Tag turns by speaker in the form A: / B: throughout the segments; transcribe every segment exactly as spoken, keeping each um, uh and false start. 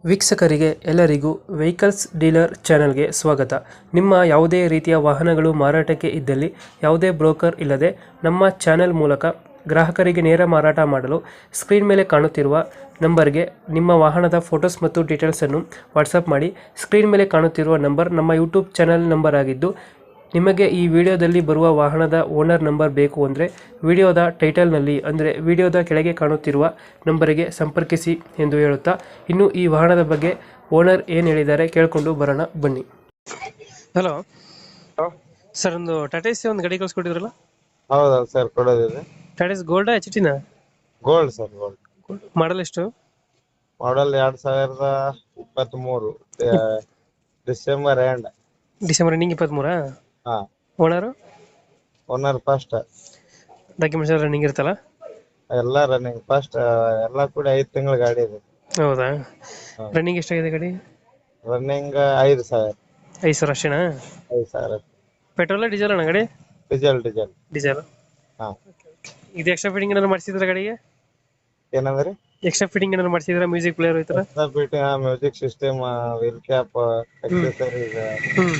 A: ವೀಕ್ಷಕರಿಗೆ ಎಲ್ಲರಿಗೂ vehicles dealer ಚಾನೆಲ್ಗೆ ಸ್ವಾಗತ. ನಿಮ್ಮ ಯಾವುದೇ ರೀತಿಯ ವಾಹನಗಳು ಮಾರಾಟಕ್ಕೆ ಇದ್ದಲ್ಲಿ ಯಾವುದೇ ಬ್ರೋಕರ್ ಇಲ್ಲದೆ ನಮ್ಮ ಚಾನೆಲ್ ಮೂಲಕ ಗ್ರಾಹಕರಿಗೆ ನೇರ ಮಾರಾಟ ಮಾಡಲು ಸ್ಕ್ರೀನ್ ಮೇಲೆ ಕಾಣುತ್ತಿರುವ ನಂಬರ್ಗೆ ನಿಮ್ಮ ವಾಹನದ ಫೋಟೋಸ್ ಮತ್ತು ಡೀಟೇಲ್ಸನ್ನು ವಾಟ್ಸಪ್ ಮಾಡಿ. ಸ್ಕ್ರೀನ್ ಮೇಲೆ ಕಾಣುತ್ತಿರುವ ನಂಬರ್ ನಮ್ಮ ಯೂಟ್ಯೂಬ್ ಚಾನೆಲ್ ನಂಬರ್ ಆಗಿದ್ದು, ನಿಮಗೆ ಈ ವಿಡಿಯೋದಲ್ಲಿ ಬರುವ ವಾಹನದ ಓನರ್ ನಂಬರ್ ಬೇಕು ಅಂದರೆ ವಿಡಿಯೋದ ಟೈಟಲ್ನಲ್ಲಿ ಅಂದರೆ ವಿಡಿಯೋದ ಕೆಳಗೆ ಕಾಣುತ್ತಿರುವ ನಂಬರಿಗೆ ಸಂಪರ್ಕಿಸಿ ಎಂದು ಹೇಳುತ್ತಾ, ಇನ್ನು ಈ ವಾಹನದ ಬಗ್ಗೆ ಓನರ್ ಏನು ಹೇಳಿದ್ದಾರೆ ಕೇಳಿಕೊಂಡು ಬರೋಣ ಬನ್ನಿ. ಹಲೋ ಸರ್, ಒಂದು ಟಾಟಾ ಎಸಿ ಒಂದು ಗಾಡಿ ಕಳಿಸ್ಕೊಟ್ಟಿದ್ರಲ್ಲ?
B: ಹೌದಾ ಸರ್, ಕೊಡೋದಿದೆ.
A: ಟಾಟಾ ಎಸ್ ಗೋಲ್ಡಾ ಎಚ್ ಟಿನ?
B: Gold sir, gold.
A: ಮಾಡಲ್ ಎಷ್ಟು?
B: ಮಾಡೆಲ್ ಎರಡ್ ಸಾವಿರದ ಇಪ್ಪತ್ತ್ ಮೂರು ಡಿಸೆಂಬರ್ ಎಂಡ್.
A: ಡಿಸೆಂಬರ್ ಎಂಡಿಂಗ್ ಇಪ್ಪತ್ತ್ಮೂರಾ?
B: ಹಾ.
A: ಓನರು?
B: Owner first.
A: ಡಾಕ್ಯುಮೆಂಟ್ಸ್ ಎಲ್ಲ ರನ್ನಿಂಗ್ ಇರುತ್ತಲ್ಲ?
B: ಎಲ್ಲ ರನ್ನಿಂಗ್ ಫಸ್ಟ್, ಎಲ್ಲ ಕೂಡ ಐದು ತಿಂಗಳ ಗಾಡಿ ಇದೆ.
A: ಹೌದಾ? ರನ್ನಿಂಗ್ ಎಷ್ಟಾಗಿದೆ ಗಾಡಿ?
B: ರನ್ನಿಂಗ್ ಐದು ಸಾವಿರ.
A: ಐದು ಸಾವಿರ ಅಷ್ಟೇನಾ?
B: ಐದು ಸಾವಿರ.
A: ಪೆಟ್ರೋಲ್ ಡೀಸೆಲ್ ಅಣ್ಣ ಗಾಡಿ?
B: Diesel diesel
A: diesel.
B: ಹಾ.
A: ಇದು ಎಕ್ಸ್ಟ್ರಾ ಫಿಟ್ಟಿಂಗ್ ಏನಾದ್ರು ಮಾಡಿಸಿದ್ರ ಗಾಡಿಗೆ?
B: ಏನಂದ್ರಿ?
A: ಎಕ್ಸ್ಟ್ರಾ ಫಿಟ್ಟಿಂಗ್ ಏನಾದ್ರು ಮಾಡಿಸಿದ್ರ? ಮ್ಯೂಸಿಕ್ ಪ್ಲೇಯರ್ ಈ ತರ?
B: Music system, wheel cap, accessories,
A: hmm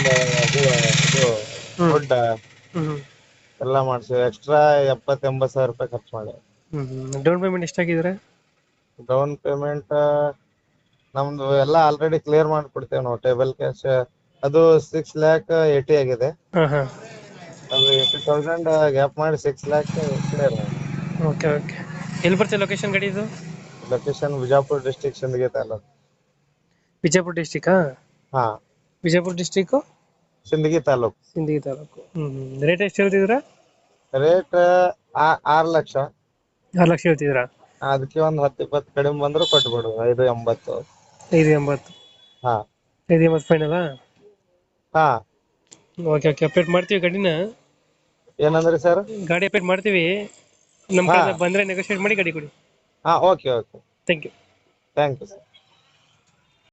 B: ಅದು ಫುಡ್
A: ಹ್ಮ್
B: ಎಲ್ಲ ಮಾಡ್ಸಿ ಎಕ್ಸ್ಟ್ರಾ ಎಪ್ಪತ್ ಎಂಬತ್ ಸಾವಿರ ರೂಪಾಯಿ ಖರ್ಚು ಮಾಡಿ.
A: ಹ್ಮ್ ಡೌನ್ ಪೇಮೆಂಟ್ ಎಷ್ಟಾಗಿದ್ರೆ?
B: ಡೌನ್ ಪೇಮೆಂಟ್ ನಮ್ದು ಎಲ್ಲ ಆಲ್ರೆಡಿ ಕ್ಲಿಯರ್ ಮಾಡ್ಕೊಡ್ತೇವೆ ನಾವು. ಟೇಬಲ್ ಕ್ಯಾಶ್ ಅದು ಸಿಕ್ಸ್ ಲ್ಯಾಕ್ ಏಟಿ ಆಗಿದೆ.
A: ಹಾ ಹಾ.
B: ಅದು ಏಟಿ ತೌಸಂಡ್ ಗ್ಯಾಪ್ ಮಾಡಿ ಸಿಕ್ಸ್ ಲ್ಯಾಕ್ ಕ್ಲಿಯರ್ ಮಾಡಿ.
A: Okay okay. ಎಲ್ಲಿ ಬರ್ತದೆ ಲೊಕೇಶನ್ ಗಾಡಿ ಇದು?
B: Location Vijayapura district, Sindagi taluk.
A: ವಿಜಯಪುರ ಡಿಸ್ಟಿಕಾ?
B: ಹಾ,
A: Vijayapura district,
B: Sindagi taluk.
A: Sindagi taluk. Hmm rate ಎಷ್ಟು ಹೇಳ್ತಿದ್ರ?
B: Rate R lakh.
A: ಆರು ಲಕ್ಷ ಹೇಳ್ತಿದ್ರಾ?
B: ಅದಕ್ಕೆ ಒಂದ್ ಹತ್ತು ಇಪ್ಪತ್ತು ಕಡಿಮೆ ಬಂದ್ರು ಕೊಟ್ಬಿಡು. ಐದು ಎಂಬತ್ತು.
A: ಐದು ಎಂಬತ್ತು.
B: ಹಾ.
A: ಐದು ಎಂಬತ್ತು ಫೈನಲ್?
B: ಹಾ.
A: Okay okay. ಅಪ್ಡೇಟ್ ಮಾಡ್ತೀವಿ ಗಾಡಿನ.
B: ಏನಂದ್ರಿ ಸರ್?
A: ಗಾಡಿ ಅಪ್ಡೇಟ್ ಮಾಡ್ತೀವಿ. ನಮ್ಮ
B: ಹಾ.
A: ಕಡೆ ಬಂದ್ರೆ ನೆಗೋಶಿಯೇಟ್ ಮಾಡಿ ಗಾಡಿ ಕೊಡಿ.
B: ಹಾ, okay okay.
A: Thank you.
B: Thank you sir.